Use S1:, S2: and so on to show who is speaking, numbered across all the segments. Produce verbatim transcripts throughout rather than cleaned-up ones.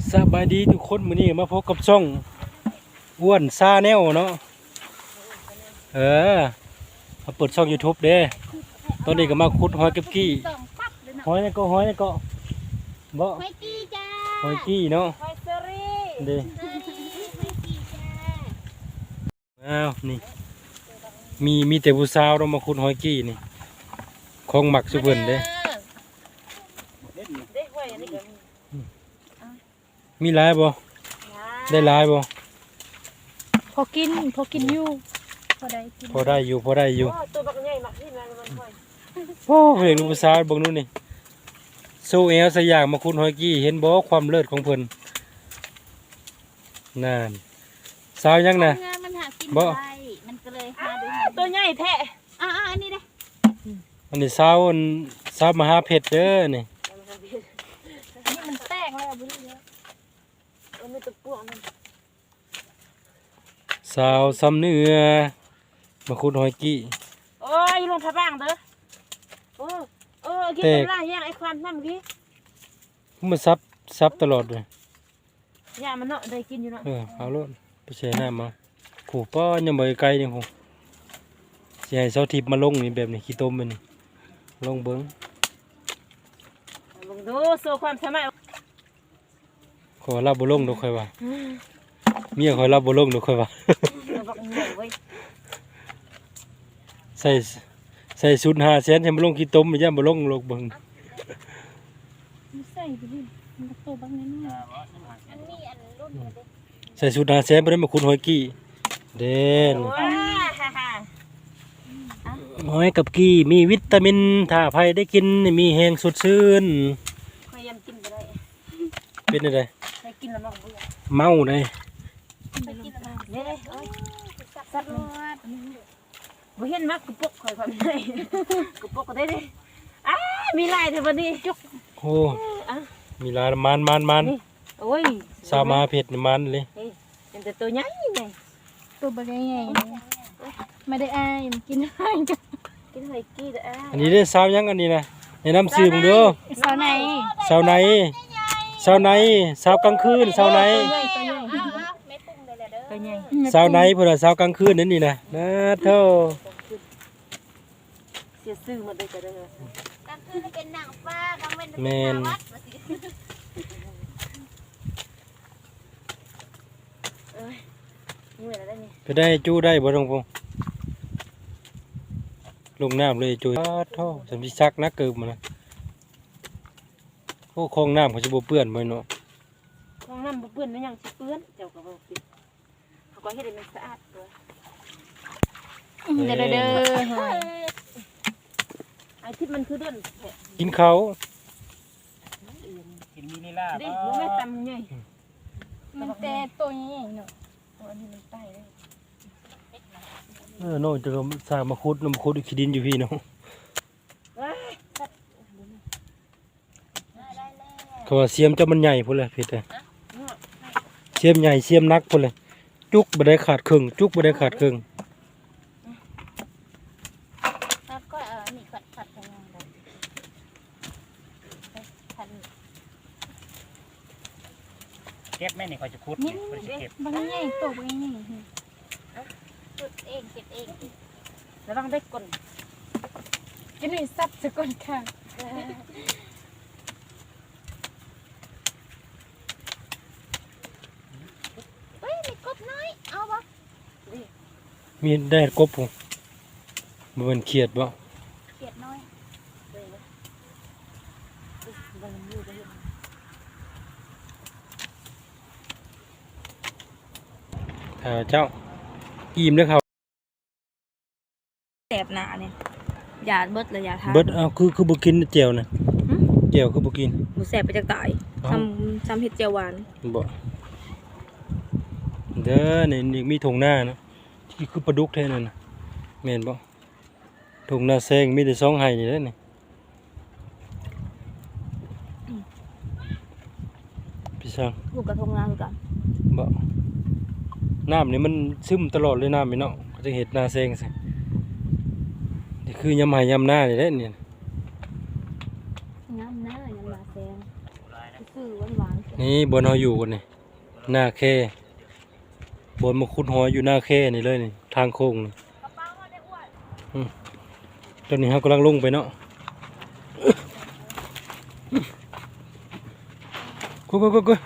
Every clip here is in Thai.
S1: สบายดีทุกคนมื้อนี้มาพบกับช่องอ้วนซาแนลเนาะเออมาเปิดช่อง YouTube เด้ตอนนี้ก็มาขุดหอยเก็บกี้หอยนี่ก็หอยนี่ก็บ่
S2: หอยกี้จ้า
S1: หอยกี้เนาะ
S2: หอยเซอรี่
S1: เด้
S2: หอยกี้จ้า
S1: อ้าวนี่มีมีแต่ผู้สาวเรามาขุดหอยกี้นี่ของหมักสุเพิ่นเด้
S2: เด็กหอยอันนี้ก็มี
S1: มีหลายบ่ได้หลายบ่
S2: พอกินพอกินอยู่พอได้กิน
S1: พอได้อยู่พอได้อยู่
S2: ตัวบักใหญ่มากที่มันมันหอย
S1: โอ้เห็นผู้สาวเบิ่งนู่นนี่โซเอลสยามมาขุดหอยกี้เห็นบ่ความเลิศของเพิ่นนั่นสาวยังน่ะ
S2: งานมันหากิน
S1: บ่
S2: ได้มันก็เลยหาดู
S3: ตัวใหญ่แท้
S2: อ่าอันนี้เด้
S1: อันนี้สาวอันสาวมหาเพชรเด้อนี่
S2: นี่มันแตกแล้วบุ้ยเยอะ
S3: มันมีตัวปวกมัน
S1: สาวซ้ำเนื้อมาขุดหอยกี้
S3: โอ้ยลงพระบ้างเด้อโอ้เออกินเป็นล่างย่างไอ้ควันนั่นเมื่อกี้
S1: มันซับซับตลอดเลย
S3: ย่างมันเนาะได้กินอยู่เนาะ
S1: เออเอาโลดไปแช่น้ำมาขู่ป้อยังบ่ไกลนี่คงสิให้เสาทิพย์มาลงนี่แบบนี้ขี้ต้มมันนี่ลงเบิ่ง
S3: ลองดูโซ่ความสามารถ
S1: ขอรับบ่ลงดอกค่อยว่าเมียขอยรับบ่ลงดอกค่อยว่า
S3: เราบอกเหนื่อยเว้ย
S1: ใส่ใส่ชุดห้าแสนให้มันลงขี้ต้มมันย่าบ่ลงลงเบิ่ง
S2: มันใส่ไปดิมันก็โตบ้างนิดหน่อยอันนี้อันรุ่นเด็ก
S1: ใส่ชุดห้าแสนบ่ได้มาขุดหอยกี้เด่น
S3: ว้าฮ่าฮ่า
S1: หอยกับกี้มีวิตามินถ้าไผได้กินนี่มีแฮงสดชื่น
S3: พยายามกินไปได้
S1: เป็นจังได
S3: ได้กินแล้วมันเบื่อ
S1: เมาได้
S2: ไปกินแล้ว
S3: เนี่ยโอ้ยสัตว์มันบ่เห็นมักกุปกคอยความได้กุปกก็ได้ดิอ้ามีลายเถอะวันนี้จุก
S1: โอ้มีหลายมันมันมัน
S3: นี่โอ้ย
S1: สาวมาเพชรนี่มันเลย
S3: นี่เป็นแต่ตัวใหญ่ไง
S2: ตัวใบใหญ่ๆไม่ได้อายมันกินได้จ้ะ
S3: กินหอยกี้เด้อ
S1: อันนี้ได้สาวยังอันนี้นะแนะนำชื่อมึงเด้อ
S2: สาวไหน
S1: สาวไหนสาวไหนสาวกลางคืนสาวไหน
S3: ตัวใหญ่ตัวใหญ่
S2: ไม่ปรุงเลยแหละเด้อ
S3: ตัวใหญ่
S1: สาวไหนเพิ่นว่าสาวกลางคืนนั่นนี่นะนะเท่า
S3: เสียซื่อหมดเลยจ้ะเด้อก
S2: ลางคืนเป็นนางฟ้ากลางวันเป็น
S1: แม่น
S2: วัด
S3: เอ้ยนี่เวลาได้นี่
S1: ไปได้จู้ได้บ่ต้องพงลงน้ำเลยจู้อ้าเท่าสำสิซักนักเกิบมานะโอ้คลองน้ำเขาสิบ่เปื้อนบ่เนาะ
S3: ห้องน้ำบ่เปื้อนไม่ยังสิเปื้อนเจ้าก็บ่ปิดเขาก็เฮ็ดให้มันสะอาดตัว
S2: เด้อเด้อเด้อ
S3: ไอ้ที่มันคือเดินแท้
S1: กินข้าว
S4: กินมินิล่า
S3: ดิรู้ไหมตำใหญ่
S2: มันแต่ตัวใหญ่ๆเนาะ
S3: ตัวนี้มันใต้เลย
S1: เออโน่จะก็สร้างมาขุดน้ำขุดอีกขี้ดินอยู่พี่เนาะ
S3: ว้าย
S1: เขาว่าเสียมเจ้ามันใหญ่พุ่นแหละเพชรอะเสียมใหญ่เสียมนักพุ่นเลยจุกบ่ได้ขาดครึ่งจุกบ่ได้ขาดครึ่ง
S2: แล้วก็เออนี่ขัดขัดยังไงขัด
S4: เก็บแม่นี่เขาจะคุด
S2: นี่
S4: เขาจะเก็บบ
S2: างใหญ่ตัวบางใหญ่จุดเองเก็บเอง
S3: ระวังได้กลน
S2: จะมีซับสกุลค่ะเฮ้ยมีกบน้อยเอาบ่
S1: มีได้กบพุ่นบ่แม่นเขียดบ่
S2: เขียดน้อย
S3: บ่อยู่บ่เห็น
S1: ถ้าเจ้าอิ่มเด้อครับ
S3: แสบหน้าเนี่ยยาเบิดเลยยาทา
S1: เบิดเอาคือคือบ่กินแจ่วน่ะแจ่วคือบ่กิน
S3: หมูแสบไปจากตายทำทำเห็ดเจียวหวาน
S1: บ่เด้อนี่นี่มีถุงหน้านะที่คือปลาดุกแท้นั่นน่ะแม่นบ่ถุงหน้าแซงมีแต่สองไห้นี่แหละนี่พี่ช่าง
S3: ลูกกระทงงานกัน
S1: บ่น้ำนี่มันซึมตลอดเลยน้ำนี่เนาะก็จะเห็ดหน้าแซงซินี่คือยำไหยำหน้านี่แหละนี่
S3: น้ำหน้ายังมาแซงคือหวานหวานแซ
S1: นี่บนเฮาอยู่กันนี่หน้าแค่บนมาขุดหอยอยู่หน้าแค่นี่เลยนี่ทางโค้งนี่อืมตอนนี้เรากำลังลงไปเนาะกูกูกูกู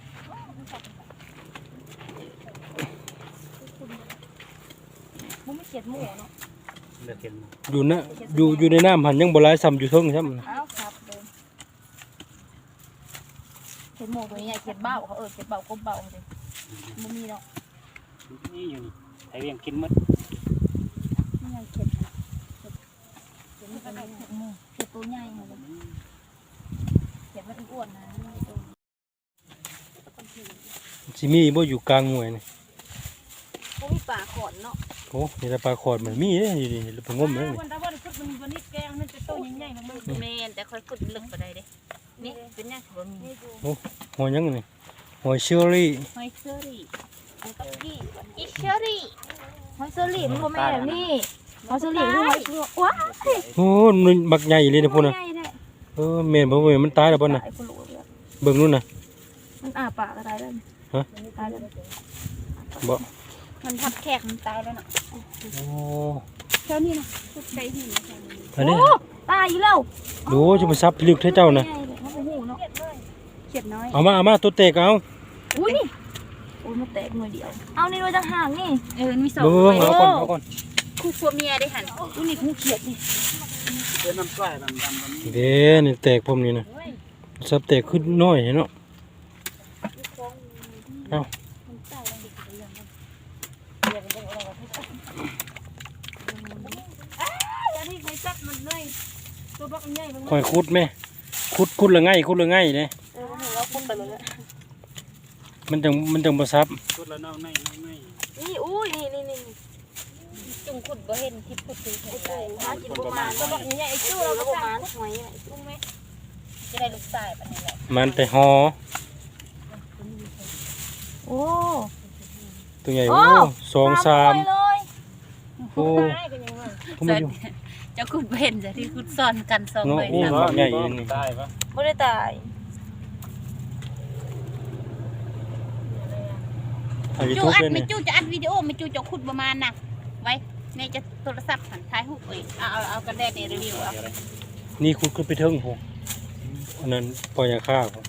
S3: มึงไม่เขียดหมูเนาะ
S4: เลือกเห็น
S1: อยู่นะอยู่อยู่ในน้ำหันยังบ่หลายซ้ำอยู่เทิงใช่ไหม
S3: อ้าวครับเดิมเขียดหมูตัวนี้ใหญ่เขียดเบ้าเขาเออเขียดเบ้ากบเบ้าเลยมึงมีเนาะ
S4: นี่อยู่นี่ไอ้เวียงกินหมด
S3: นี่ไงเขียดเขียดเขียดมันเป็นเขียดหมูเขียดตัวใหญ่เลยเขียดมันอ้วนนะ
S1: สิมีบ่อยู่กลางหน่วยนี่
S3: เขามีป่าขอนเนาะ
S1: โอ้นี่แต่ปลาขอดมันมีเด้อยู่นี่ไปงมเลยนี่
S2: วันตะวันพุธมันวันนี้แกงมันจะโตใหญ่ๆมัน
S3: เมนแต่ค่อยขุดลึกไปได้เด้นี่เป็นยังถือว่ามี
S1: หอยยังนี่หอยเชอรี่
S3: หอยเชอรี่หอยกับกี้อีเชอรี่หอยเชอรี่มันก็แม่นี่หอยเชอรี่มันหอยว้า
S1: โอ้มันบักใหญ่เลยนะพุ่นน่ะ
S3: ใหญ่แท้
S1: เออแม่นบ่แม่นมันตายแล้วบ่น่ะ
S3: ไอ้คนรู้เลย
S1: เบิ่งนู่นน่ะ
S3: มันอาปากก็ตายแล้ว
S1: ฮะ
S3: ตายแล้ว
S1: บ่
S3: มันทับแขกมันตายแล้วน่ะ
S1: โอ้
S3: เท่านี้นะทุกใจหิน
S1: อันนี้
S3: โอ้ตายอีกแล้ว
S1: ดูจะมาซับลึกเท่าเจ้าน่ะ
S3: ใหญ่เลยเขาโอ้โหเนาะเขียดน้อย
S1: เอามาเอามาตัวเตกเอา
S3: อุ้ยนี่โอ้ยมันแตกหน่อยเดียวเอานี่ด้วยจังห่างนี่เออมีสอง
S1: เบิ่งเอาก่อนเอาก่อน
S3: คู่ผัวเมียได้หันอุ้ยนี่คู่เขียดนี่
S4: เป็นน้ำกล้วยดำดำแบบนี้
S1: เด้นี่แตกผมนี่น่ะซับแตกขึ้นน้อยเนาะเอา
S3: อันนี้ใครจับมันเลยตัวบักใหญ่มัน
S1: คอยขุดแม่ขุดขุดละง่ายขุดละง่ายเด้
S3: เออเราคุ้มไปเลย
S1: มันจังมันจังบ่ซับ
S4: ชุดละน้องในน้องใน
S3: นี่อุ้ยนี่นี่นี่จุ่มขุดบ่เห็นทิพย์ขุดคือเห็นได้หากินประมาณตัวบักใหญ่ไอ้จู้เราประมาณหอยจุ่มไหมจะได้ลูกชายปานนี้แหละ
S1: มันแต่หอ
S3: โอ้
S1: ตัวใหญ่โอ้สองสาม
S3: เลย
S1: โอ้ผมไม่อยู่
S3: จะขุดเห็นจะที่ขุดซ่อนกันสอง
S1: เนาะ
S3: เลย
S1: โอ้
S3: นะ
S1: บักใหญ่อันนี้
S4: ตายปะ
S3: ไม่ได้ตาย
S1: ถ่ายยู
S2: จู
S1: ทูบ
S2: อัด
S1: เลย
S2: ไม่
S1: นี่
S2: จูจะอัดวิดีโอไม่จูจะขุดประมาณน่ะไว้แม่จะโทรศัพท์หันท้ายหุบเอ้ยเอาเอาเอากระแดดในรีวิวเอา
S1: นี่ขุดขึ้นไปเทิงผมอันนั้นปล่อยยาฆ่าผม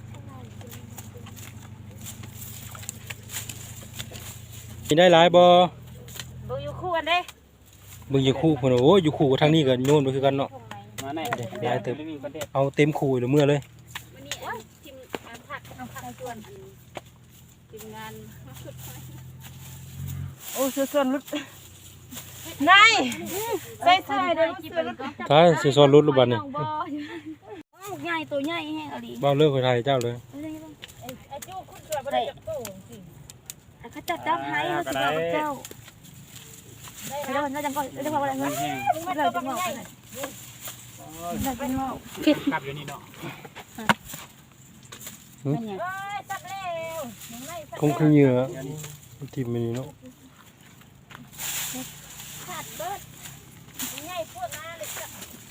S1: มีได้หลายบ่
S3: ดูอยู่คู่กันเด้
S1: เบิ่งอยู่คู่พุ่นน่ะโอ้ยอยู่คู่กับทางนี้ก็โยนไปคือกันเนาะ
S4: มาไหนเด็ก
S1: ได้เติบ
S4: ไม่มีประเด็น
S1: เอาเต็มคู่เลยเมื่อเลย
S2: วันนี้อันทีมงานผักเอาผักชวนทีมงาน
S3: โอ้เสือส่วนลุดนายใส่ใส่เดี๋ยวเสือลุด
S1: ตายสิซ้อนรถรูบัดนี่
S3: ใหญ่ตัวใหญ่แห้งอะไร
S1: บ่าวเลิกไปถ่ายเจ้าเลย
S3: ไอ้จู้คุณช่วยบ่ได้จับตู้สิเขาจับจับให้เขาจะบอกเจ้าเดี๋ยวเราจังก่อนเดี๋ยวบอกอะไรเงี้ย
S4: แห้ง
S3: เราจะบอกอะไรเราจะบอก
S4: ขับอยู่นี่เนาะ
S3: จับเร็ว
S1: คงคือเหยื่อทีมมันนี่เนาะ
S3: ขาดเบิดใหญ่พวกน้าเลยจับ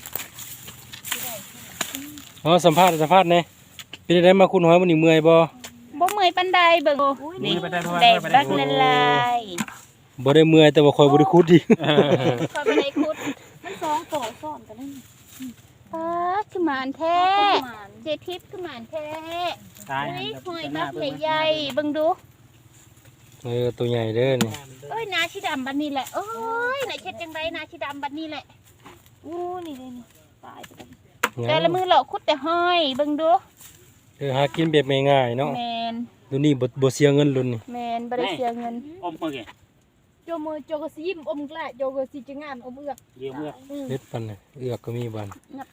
S1: อ๋อสัมภาษณ์สัมภาษณ์แน่เป็นได้มาคุณหอยมันนี่เมื่อยบ่
S2: บ่เมื่อยปันใดเบิ่ง
S4: นี่ไปได้ด้วย
S2: แดด
S4: ไป
S2: บั
S4: ได้
S2: ก
S4: ด้วย
S2: ละลาย
S1: บ่ได้เมื่อยแต่ว่าคอยบ่ได้คุดดิ
S2: คอยไปในคุด
S3: มันสองต่อซ้อนกันนั่น
S2: ป้าขึ้นมาอันแท้เจทิพย์ขึ้นมาอันแท้
S4: ตาย
S2: อุ้ยหอยบักใหญ่ๆเบิ่งดู
S1: เออตัวใหญ่เด้อนี่
S2: เอ้ยนาชิดำบัดนี้แหละเอ้ยนาเช็ดจังไดนาชิดำบัดนี้แหละ
S3: อู้นี่เลยนี่ตายไปกัน
S2: แต่ละมือเหลาคุดแต่ห้อยเบิ่งดู
S1: เออหากินแบบง่ายๆเนาะ
S2: แมน
S1: ดูนี่บ่บ่เสียเงินลุ้นนี่
S2: แมนบ่ได้เสียเงิน
S4: อมเมื่อกี้
S2: โจมือโจก็สิยิ้มอมกล้าโจก็สิจะงานอมเอือก
S4: เยี่ยมเมื่อ
S1: เฮ็ดปันน่ะเอือกก็มีบัน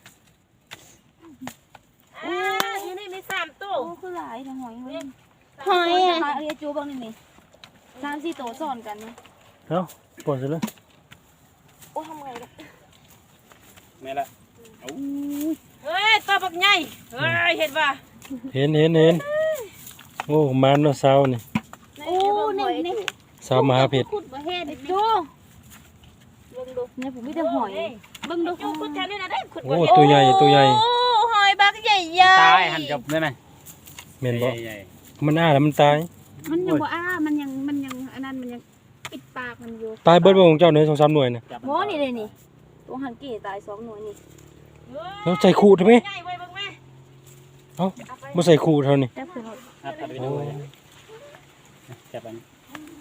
S3: อ่าอยู่นี่มีสามตัวโอ้คือหลายทั้งหอยเว้ย
S2: หอย
S3: ห
S2: อ่ะ
S3: อยเอ้ยจูบ้างนี่นี่สามสี่ตัวซ้อนกันนะ
S1: เอ้าปล่อยซะเลย
S3: โอ้ทำไงล่ะ
S4: แม่ละ
S3: เฮ้ยตัวบักใหญ่เฮ้ยเห็นป่ะ
S1: เห็นเห็นเห็นโอ้มันเนาะสาวนี่
S2: โอ้นี่นี่
S1: สาวมหาเพชร
S2: คุดบ่เฮ็ด
S3: จูเบิ่งดูเนี่ยผมมีแต่หอย
S2: เบิ่งดู
S3: จูขุดแถวนี้นะได้ขุด
S1: โอ้ตัวใหญ่ตัวใหญ่
S2: โอ้หอยบักใหญ่ๆ
S4: ตายหันจบได้ไหม
S1: แม่นบ่
S4: ใหญ่
S1: มันอ้าแล้วมันตาย
S2: มันยังบ่อ้ามันยังมันยังอันนั้นมันยังปิดปากมันอยู่
S1: ตายเบิดบ่ของเจ้าเนี่ยสองสามหน่วยน่ะ
S4: ๆจับ
S3: หมอนี่เลยนี่ตัวหันกี่ตายสองหน่วยนี่
S1: แล้วใส่ขู่ทำไม
S3: ใหญ่ไว้เบิ่งแม่
S1: เอ้าบ่ใส่ขู่เท่านี้
S3: จับเพิ่น
S4: อัดอัดไป
S1: โอ้
S4: ด้วยจับอันนี้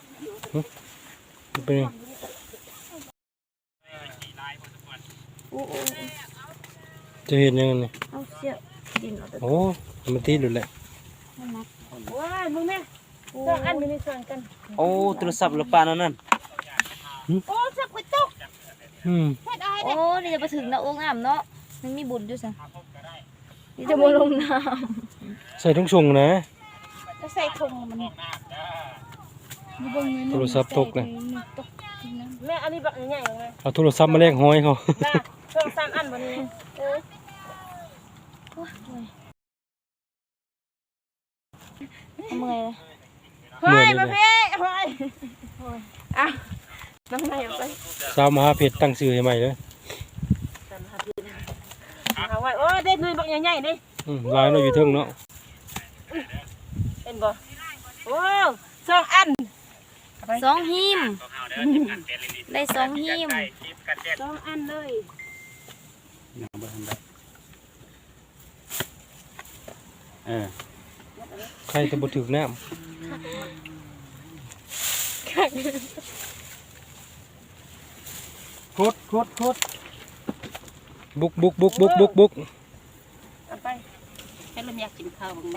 S1: เป็นไง
S3: โอ้โอ้
S1: จะเห็นยังไงนี่
S3: เอาเสียดินเอาแต่
S1: โอ้มันตีหลุดแหละ
S3: ว้ายมึงแม่สองอันมีในส่วนกัน
S5: โอ้โทรศัพท์หรือเปล่านั่น
S2: โอ้สักไว้ตก
S1: อืม
S2: เฮ็ดอ้าย
S3: โอ้นี่จะไปถึงนะโอ่งน้ำเนาะมันมีบุญด้วยซะนี่จะบ่ลงน้
S1: ใส่ทุ่งชงนะ
S2: ก็ใส่ถุงมัน
S1: โทรศัพท์ตกเลย
S3: ำแม่อันนี้บักใหญ่ๆไง
S1: เอาโทรศัพท์มาแลกห้อยเขา
S3: น่ะสองสามอันบ่นี้เออเอาเมื่อยเลย
S1: เมื่อยนี่เลย
S3: เฮ้ยอ่ะน้ำไหนเอาไป
S1: สาวมหาเพชรตั้งชื่อให้ใหม่เลย
S3: เอาไว้โอ้ได้หน่วยบักใหญ่ๆนี่
S1: อืมลายเราอยู่เทิงเนาะ
S3: เป็นบ่โอ้สองอันสองหิมได้สองหิม
S2: สองอันเลย
S4: น้ำบ่ทันได้เออ
S1: ใครจะบ่ถึกน้ำ
S4: คุดคุดคุด
S1: บุกบุกบุกบุกบุกบุก
S3: เอาไป
S2: แค่เริ่มอยากกินข้าวบ้างได้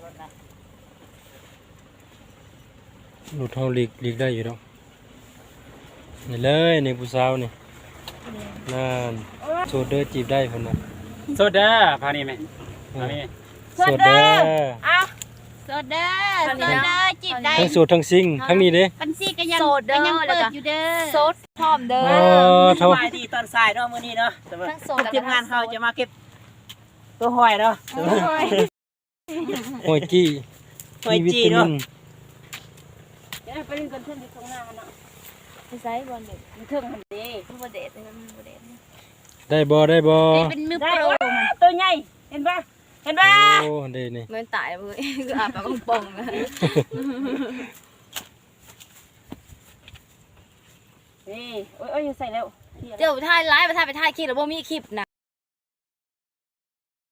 S1: หลุดเฮาหลีกหลีกได้อยู่ดอกนี่เลยนี่ผู้สาวนี่นั่นโซเดอร์จีบได้เพิ่นน่ะ
S4: โซดาพานี่ไหมพานี่
S1: โซเดอร์
S3: อ่ะ
S2: โซดาโซดาจีบได้
S1: ทั้งโสดทั้งซิงทั้งนี้เด้
S2: ปันซี่ก็ยัง
S3: โซเดอร์
S2: ก็ยัง
S3: แล้ว
S2: เปิด
S3: ก็
S2: อยู่เด้อ
S3: โซดพร้อมเด้อ
S1: เออเท่า
S5: สบายดีตอนสายเนาะมื้อนี้เนาะแต่ว่า
S3: ทั้งโซด
S5: ทีมงานเฮาจะมาเก็บตัวหอยเนาะ
S1: หอยกี้
S5: หอย
S1: มีวิ
S5: จี
S1: ตา
S5: เนาะ
S1: มิน
S3: เดี๋ยวไปเล่นกันเพิ่นที่ตรงหน้าเนาะไปไสบ่เด็กมันเทิงหันเด้มันบ่เด็ดมันบ่เด็ด
S1: ได้บ่ได้บ่
S2: ได้เป็นมือโปรมัน
S3: ตัวใหญ่เห็นป่ะเห็นป่ะ
S1: โอ้เด้นี่
S3: มันตายเลยคืออาบปากป่องๆนะ นี่โอ้ยโอ้ยใส่แล้วเดี๋ยวถ่ายไลฟ์ไปถ่ายไปถ่ายคลิปแล้วบ่มีคลิปนะ